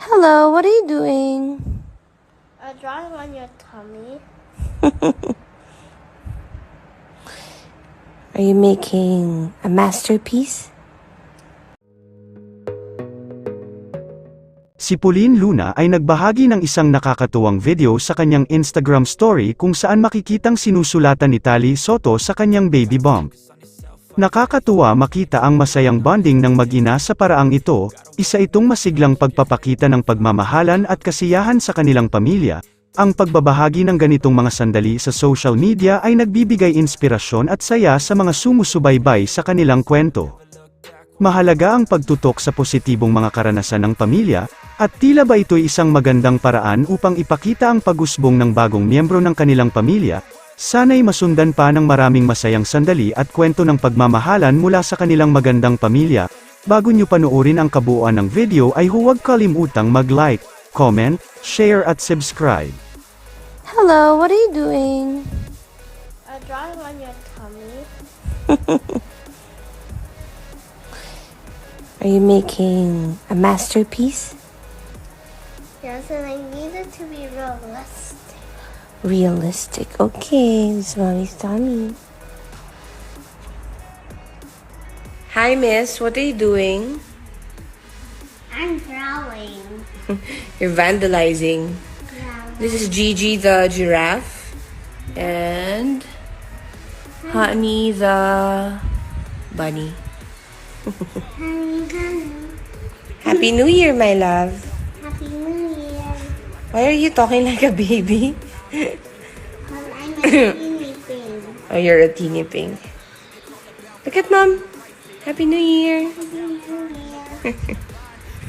Hello, what are you doing? Drawing on your tummy. Are you making a masterpiece? Si Pauline Luna ay nagbahagi ng isang nakakatuwang video sa kanyang Instagram story kung saan makikitang sinusulatan ni Tali Soto sa kanyang baby bump. Nakakatuwa makita ang masayang bonding ng mag-ina sa paraang ito, isa itong masiglang pagpapakita ng pagmamahalan at kasiyahan sa kanilang pamilya. Ang pagbabahagi ng ganitong mga sandali sa social media ay nagbibigay inspirasyon at saya sa mga sumusubaybay sa kanilang kwento. Mahalaga ang pagtutok sa positibong mga karanasan ng pamilya, at tila ba ito'y isang magandang paraan upang ipakita ang pag-usbong ng bagong miyembro ng kanilang pamilya. Sana'y masundan pa ng maraming masayang sandali at kwento ng pagmamahalan mula sa kanilang magandang pamilya. Bago nyo panoorin ang kabuuan ng video ay huwag kalimutang mag-like, comment, share at subscribe. Hello, what are you doing? Drawing on your tummy. Are you making a masterpiece? Yes, and I need it to be realistic. Realistic. Okay, this is Mommy's tummy. Hi, miss. What are you doing? I'm drawing. You're vandalizing. Yeah. This is Gigi the giraffe. And Honey the bunny. Happy New Year, my love. Happy New Year. Why are you talking like a baby? I'm a teeny thing. Oh, you're a teeny pink. Look at Mom. Happy New Year. Happy New Year.